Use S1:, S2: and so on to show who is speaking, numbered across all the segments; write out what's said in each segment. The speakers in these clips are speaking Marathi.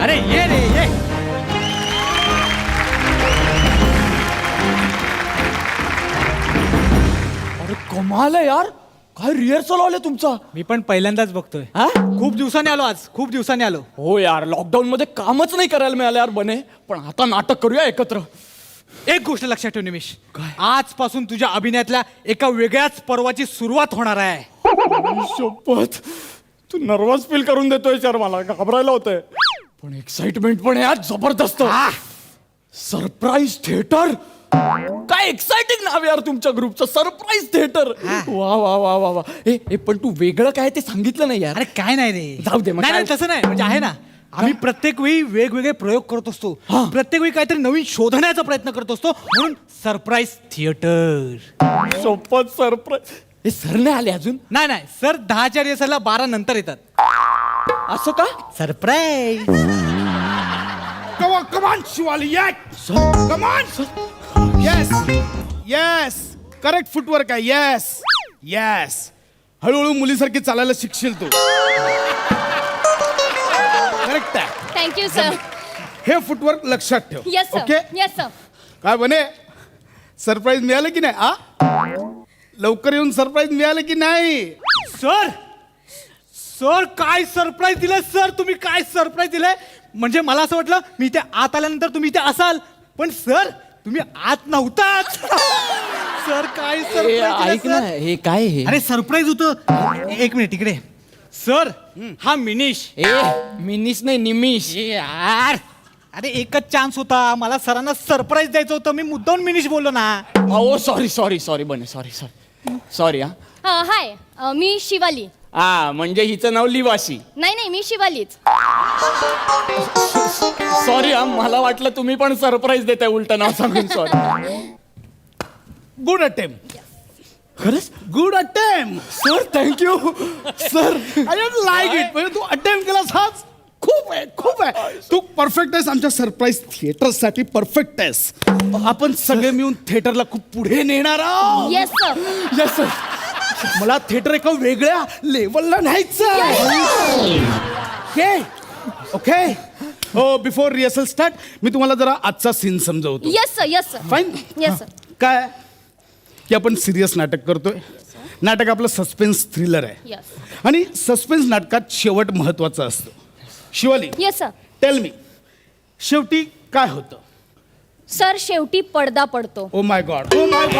S1: अरे ये रे ये.
S2: अरे कमाल आहे यार, काय रिहर्सल आले तुमचा.
S1: मी पण पहिल्यांदाच बघतोय.
S2: हा?
S1: खूप दिवसांनी आलो आज, खूप दिवसांनी आलो.
S2: हो यार, लॉकडाऊन मध्ये कामच नाही करायला मिळालं यार बने, पण आता नाटक करूया एकत्र.
S1: एक गोष्ट लक्षात ठेव निमिष, आजपासून तुझ्या अभिनयातल्या एका वेगळ्याच पर्वाची सुरुवात होणार आहे.
S2: शपथ, तू नर्वस फील करून देतोय यार, मला घाबरायला होतंय. पण एक्साइटमेंट पण आहे आज जबरदस्त. सरप्राईज थिएटर, काय एक्साइटिंग नाव यार तुमच्या ग्रुपचं, सरप्राईज थिएटर. वा वा वा वा वा. ए पण तू वेगळं काय ते सांगितलं नाही यार.
S1: अरे काय नाही रे,
S2: जाऊ दे मग.
S1: नाही
S2: काय?
S1: नाही, तसं नाही, म्हणजे आहे ना, आम्ही प्रत्येक वेळी वेगवेगळे प्रयोग करत असतो, प्रत्येक वेळी काहीतरी नवीन शोधण्याचा प्रयत्न करत असतो, म्हणून सरप्राईज थिएटर.
S2: शपथ सरप्राईज. हे सर नाही आले अजून.
S1: नाही नाही सर 10च्या रिहर्सलला 12 नंतर येतात.
S2: असं का?
S1: Surprise.
S3: Come on, Shivali, yes. Come on. Yes. Correct footwork आहे. Yes. हळूहळू मुलीसारखी चालायला शिकशील तू. करेक्ट आहे.
S4: Thank you sir.
S3: हे फुटवर्क लक्षात ठेव.
S4: Yes sir.
S3: Okay.
S4: Yes sir.
S3: काय बने, सरप्राईज मिळालं की नाही? लवकर येऊन सरप्राईज मिळालं की नाही?
S1: सर सर काय सरप्राईज दिलंय सर, तुम्ही काय सरप्राईज दिलंय. म्हणजे मला असं वाटलं मी इथे आत आल्यानंतर तुम्ही इथे असाल, पण सर तुम्ही आत नव्हताच. सर काय
S2: ए,
S1: सरप्राईज
S2: ऐक ना, हे काय हे?
S1: अरे सरप्राईज होतं. एक मिनिट इकडे. सर हा मिनिश.
S2: ए मिनिश नाही, निमिष.
S1: यार अरे एकच चान्स होता, मला सरांना सरप्राईज द्यायचं होतं, मी मुद्दाम मिनिश बोललो ना.
S2: Oh sorry Bane, sorry. हा
S4: हाय, मी शिवाली.
S2: म्हणजे हिचं नाव लिवाशी.
S4: नाही मी शिवालीच.
S2: सॉरी मला वाटलं तुम्ही पण सरप्राईज देताय उलट नाव सांगून. सॉरी.
S3: Good attempt.
S2: खरंच
S3: good attempt.
S2: Sir, thank you sir.
S3: I don't like it. म्हणजे तू अटेम्प्ट केलास हाच खूप आहे. तू परफेक्ट आहेस आमच्या सरप्राईज थिएटर साठी. परफेक्ट आहेस. आपण सगळे मिळून थिएटरला खूप पुढे नेणार आहोत.
S4: Yes sir.
S2: Yes sir.
S3: मला थिएटर एका वेगळ्या लेवलला न्यायचं. ओके. हो, बिफोर रिहर्सल स्टार्ट मी तुम्हाला जरा आजचा सीन समजवतो.
S4: Yes sir.
S3: Fine.
S4: Yes sir.
S3: काय की आपण सिरियस नाटक करतोय. नाटक आपलं सस्पेन्स थ्रिलर आहे.
S4: येस.
S3: आणि सस्पेन्स नाटकात शेवट महत्वाचा असतो. Shivali,
S4: yes sir.
S3: Tell me, शेवटी काय होतं?
S4: सर शेवटी पडदा पडतो.
S3: Oh my god. What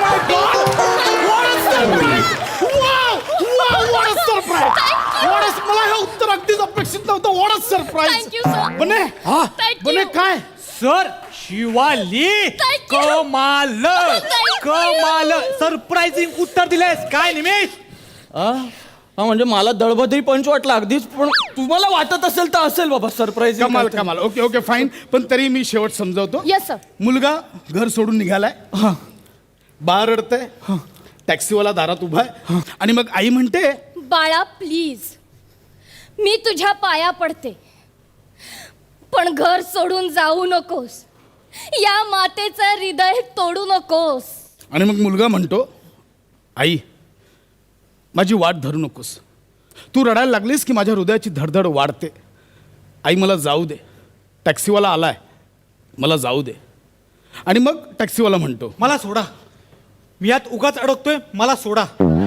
S3: a surprise. मला हे उत्तर अगदीच अपेक्षित नव्हतं. What a surprise.
S4: Thank you sir.
S3: Bane.
S4: Thank
S3: Bane
S4: you.
S3: काय?
S1: Sir Shivali
S4: Thank you.
S1: कमाल सरप्राइझिंग उत्तर दिलेस. काय निमिष?
S2: हा म्हणजे मला दळबद्री पंच वाटला अगदीच, पण तुम्हाला वाटत असेल तर असेल बाबा सरप्राईज.
S3: कमाल. Okay fine. पण तरी मी शेवट समजवतो.
S4: Yes sir.
S3: मुलगा घर सोडून निघालाय. बाळ रडतंय. टॅक्सीवाला दारात उभा आहे. आणि मग आई म्हणते,
S4: बाळा प्लीज, मी तुझ्या पाया पडते, पण घर सोडून जाऊ नकोस. या मातेचं हृदय तोडू नकोस.
S3: आणि मग मुलगा म्हणतो, आई माझी वाट धरू नकोस. तू रडायला लागलीस की माझ्या हृदयाची धडधड वाढते. आई मला जाऊ दे. टॅक्सीवाला आलाय, मला जाऊ दे. आणि मग टॅक्सीवाला म्हणतो,
S1: मला सोडा, मी यात उगाच अडकतोय, मला सोडा.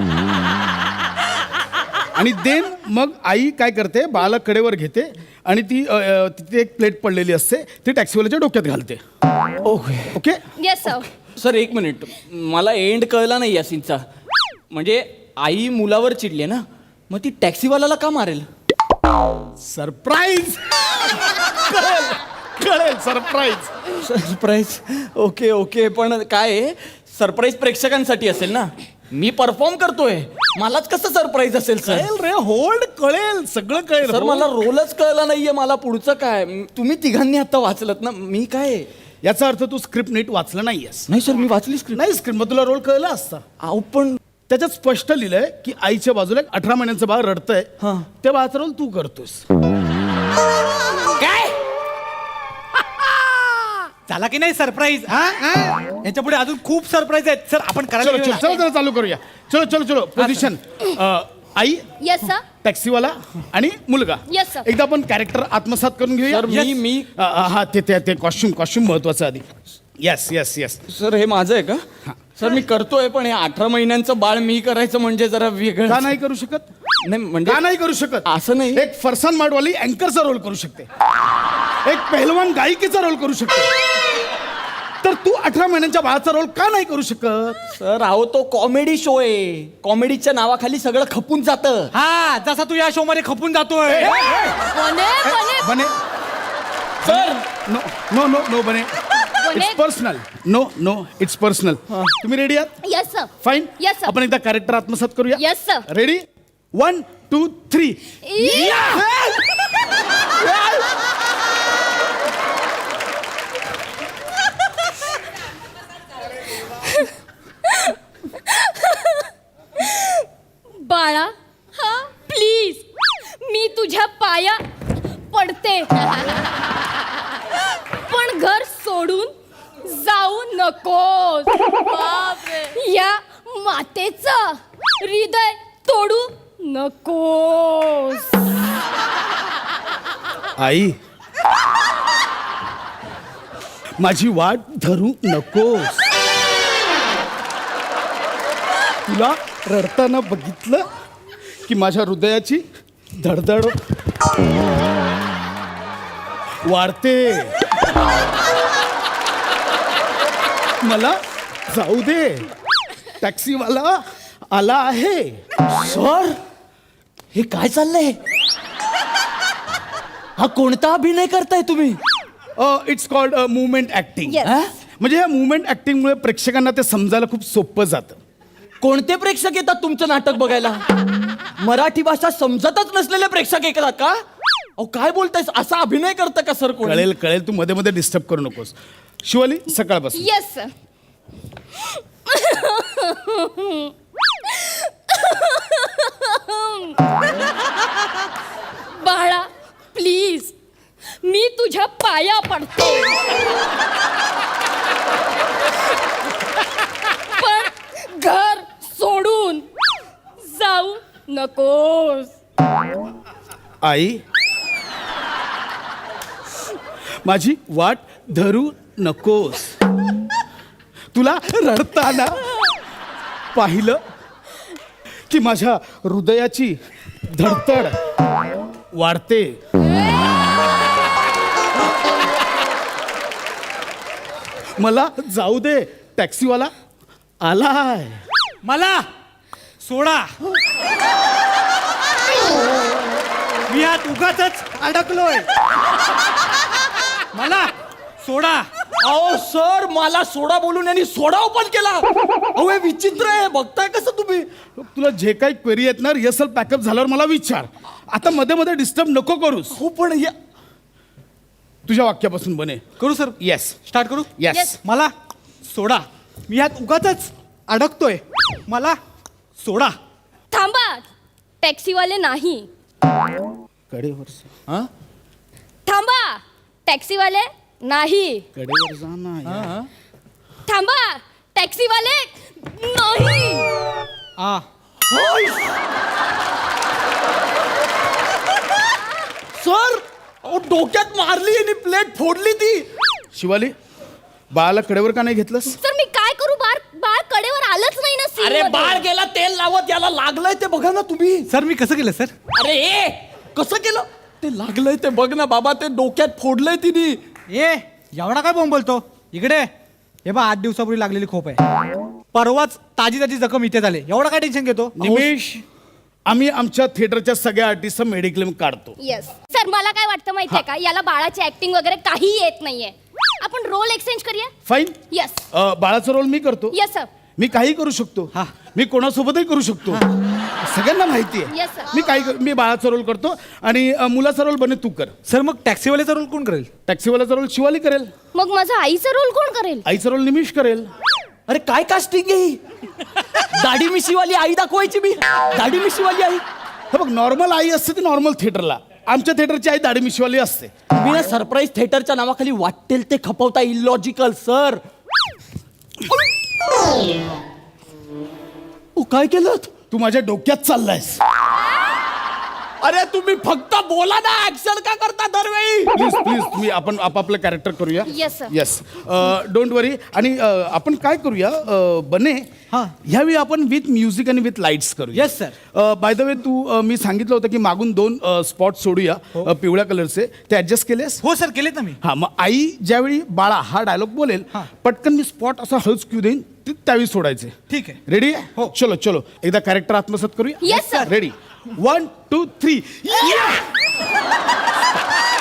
S3: आणि देन मग आई काय करते, बाळाला कडेवर घेते आणि ती तिथे एक प्लेट पडलेली असते, ती टॅक्सीवाल्याच्या डोक्यात घालते. ओके.
S4: Yes sir.
S2: सर एक मिनिट, मला एंड कळला नाही या सीनचा. म्हणजे आई मुलावर चिडली ना, मग ती टॅक्सीवाल्याला का मारेल?
S3: सरप्राईज. कळेल सरप्राईज.
S2: ओके पण काय सरप्राईज प्रेक्षकांसाठी असेल ना, मी परफॉर्म करतोय, मलाच कसं सरप्राईज असेल सर?
S3: रे होल्ड. कळेल, सगळं कळेल.
S2: सर मला रोलच कळला नाहीये, मला पुढचं काय. तुम्ही तिघांनी आता वाचलत ना, मी काय?
S3: याचा अर्थ तू स्क्रिप्ट नीट वाचलं नाहीयेस.
S2: नाही सर, मी वाचली स्क्रिप्ट.
S3: नाही स्क्रिप्ट मग तुला रोल कळला असता.
S2: अहो पण
S3: त्याच्यात स्पष्ट लिहिलंय की आईच्या बाजूला 18 महिन्यांचं बाळ रडतंय, त्या बाळाचा रोल तू करतोस.
S1: काय झाला की नाही सरप्राईज? याच्या पुढे अजून खूप सरप्राईज आहेत सर, आपण करायला
S3: चलो चालू करूया. चलो पोझिशन. आई
S4: येस सर.
S3: टॅक्सीवाला आणि मुलगा.
S4: Yes, sir.
S3: एकदा आपण कॅरेक्टर आत्मसात करून घेऊया.
S2: सर, मी
S3: हा ते कॉस्ट्युम महत्वाचं आधी. Yes yes yes.
S2: सर हे माझं आहे का? सर मी करतोय, पण हे 18 महिन्यांचं बाळ मी करायचं म्हणजे जरा वेगळं.
S3: का नाही करू शकत?
S2: नाही म्हणजे
S3: का नाही करू शकत?
S2: असं नाही.
S3: एक फरसान माडवाली अँकरचा रोल करू शकते, एक पहलवान गायिकेचा रोल करू शकते, तर तू 18 महिन्यांच्या बाळाचा रोल का नाही करू शकत?
S2: सर अहो तो कॉमेडी शो आहे, कॉमेडीच्या नावाखाली सगळं खपून जातं.
S1: हा, जसा तू या शो मध्ये खपून जातोय.
S4: Bane Bane
S3: Bane
S2: sir
S3: no no no no Bane
S4: Bane.
S3: It's personal. No no it's personal. तुम्ही रेडी आहात?
S4: Yes sir.
S3: Fine.
S4: Yes, sir.
S3: आपण एकदा कॅरेक्टर आत्मसात करूया.
S4: Yes, sir.
S3: रेडी 1 2 3.
S4: बाळा हा प्लीज मी तुझ्या पाया पडते, पण घर सोडून जाऊ नकोस. या मातेचं हृदय तोडू नकोस.
S3: आई, माझी वाट धरू नकोस. तुला रडताना बघितलं की माझ्या हृदयाची धडधड वाढते. मला जाऊ दे, टॅक्सीवाला आला आहे.
S2: सर हे काय चाललंय? हा कोणता अभिनय करताय तुम्ही?
S3: It's called movement acting.
S4: Yes.
S3: म्हणजे या मुवमेंट ऍक्टिंगमुळे प्रेक्षकांना ते समजायला खूप सोपं जातं.
S2: कोणते प्रेक्षक येतात तुमचं नाटक बघायला? मराठी भाषा समजतच नसलेले प्रेक्षक येतात का? अहो काय बोलताय? असा अभिनय करतं का सर कोण?
S3: कळेल कळेल, तू मध्ये मध्ये डिस्टर्ब करू नकोस. शिवाली सकाळपासून
S4: येस सर. बाळा प्लीज मी तुझ्या पाया पडते, पण घर सोडून जाऊ नकोस.
S3: आई, माझी वाट धरू नकोस. तुला रडताना पाहिलं की माझ्या हृदयाची धडधड वाढते. मला जाऊ दे, टॅक्सीवाला आलाय.
S1: मला सोडा, मी यात उगाचच अडकलोय. मला सोडा.
S2: अहो सर मला सोडा बोलून यांनी सोडा ओपन केला. अहो हे विचित्र आहे, बघताय कसं तुम्ही?
S3: तुला जे काही क्वेरी आहेत ना, रिहर्सल पॅकअप झाल्यावर मला विचार. आता मध्ये मध्ये डिस्टर्ब नको करूस.
S2: हो पण हे
S3: तुझ्या वाक्यापासून बने.
S1: करू सर?
S3: येस
S1: स्टार्ट करू?
S3: येस.
S4: Yes.
S1: मला सोडा, मी यात उगाचच अडकतोय. मला सोडा.
S4: थांबा, टॅक्सीवाले नाही.
S3: कडेवर
S4: थांबा, टॅक्सीवाले नाही.
S3: कडेवर जा ना.
S4: थांबा, टॅक्सीवाले नाही.
S1: आ
S2: सर अहो डोक्यात मारली आणि प्लेट फोडली ती.
S3: शिवाली, बाळाला कडेवर का नाही घेतलंस?
S4: सर मी काय करू? बाळ बाळ कडेवर आलंच नाही ना scene
S2: अरे
S4: मध्ये.
S2: बाळ गेला तेल लावत, याला लागलंय ते बघा ना तुम्ही.
S1: सर, मी कसं केलं सर?
S2: अरे ए कसं केलं? ते लागलंय ते बघ ना बाबा, ते डोक्यात फोडलंय तिने.
S1: ए, एवढा काय बोंब बोलतो? इकडे हे बा, 8 दिवसापूर्वी लागलेली खोप आहे. परवाच ताजी ताजी जखम इथे झाले. एवढा काय टेन्शन घेतो?
S3: निमेश, आम्ही आमच्या थिएटरच्या सगळ्या आर्टिस्टचा मेडिक्लेम काढतो.
S4: येस सर, मला काय वाटतं माहितीये का, याला बाळाची ऍक्टिंग वगैरे काही येत नाहीये. आपण रोल एक्सचेंज करूया.
S3: फाईन.
S4: येस
S3: बाळाचा रोल मी करतो.
S4: Yes sir.
S3: मी काही करू शकतो.
S1: हा.
S3: मी कोणासोबतही करू शकतो. सगळ्यांना माहिती आहे.
S4: Yes, sir.
S3: मी काही मी बाळाचा रोल करतो आणि मुलाचा रोल बने तू कर.
S1: सर, मग टॅक्सीवाल्याचा रोल कोण करेल?
S3: टॅक्सीवाल्याचा रोल शिवाली करेल.
S4: मग माझा आईचा रोल कोण करेल?
S3: आईचा रोल निमिष करेल.
S2: अरे काय कास्टिंग आहे ही? दाढी मिशीवाली आई दाखवायची मी. दाढी मिशीवाली आई.
S3: हे बघ, नॉर्मल आई असते ती नॉर्मल थिएटरला. आमच्या थिएटरची आई दाढी मिशीवाली असते.
S2: तुम्ही ना सरप्राईज थिएटरच्या नावाखाली वाटेल ते खपवता. Illogical sir. काय केलं?
S3: तू माझ्या डोक्यात चाललायस.
S2: अरे तुम्ही फक्त बोला ना, ऍक्शन का करता दरवेळी?
S3: प्लीज प्लीज तुम्ही आपण आपापलं कॅरेक्टर करूया.
S4: Yes, sir.
S3: Yes don't worry. आणि आपण काय करूया बने,
S1: हा.
S3: ह्यावेळी आपण विथ म्युझिक आणि विथ लाईट्स करूया.
S1: Yes, sir.
S3: By the way तू मी सांगितलं होतं की मागून 2 स्पॉट सोडूया पिवळ्या कलरचे, ते ऍडजस्ट केलेस?
S1: हो सर, केलेत ना मी.
S3: हा, मग आई ज्यावेळी बाळा हा डायलॉग बोलेल,
S1: हा.
S3: पटकन मी स्पॉट असा हळूच क्यू देईन, त्यावेळी सोडायचे.
S1: ठीक आहे.
S3: रेडी आहे?
S1: हो.
S3: चलो चलो एकदा कॅरेक्टर आत्मसात करूया.
S4: Yes, sir.
S3: रेडी 1 2 3.